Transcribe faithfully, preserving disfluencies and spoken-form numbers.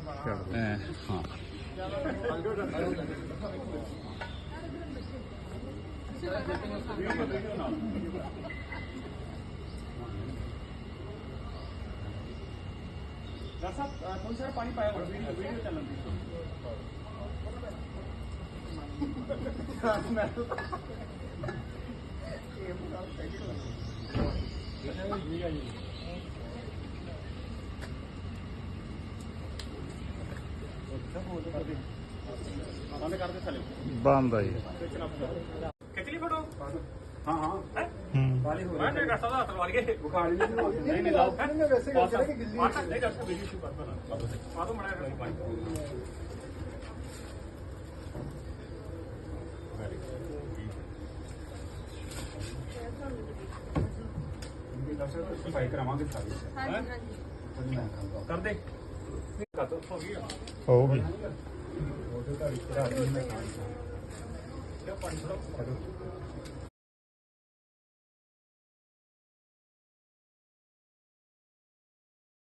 हाँ थोड़ी सारा पानी पाया वीडियो वीडियो चलन बंद है खिंच ली फोटो। हाँ हाँ हम्म बुखार नहीं नहीं लाओ वैसे नहीं डॉक्टर वीडियो शूट करता ना तो मना सफाई करावांगे सारी कर दे होगी क्या पानी थोड़ा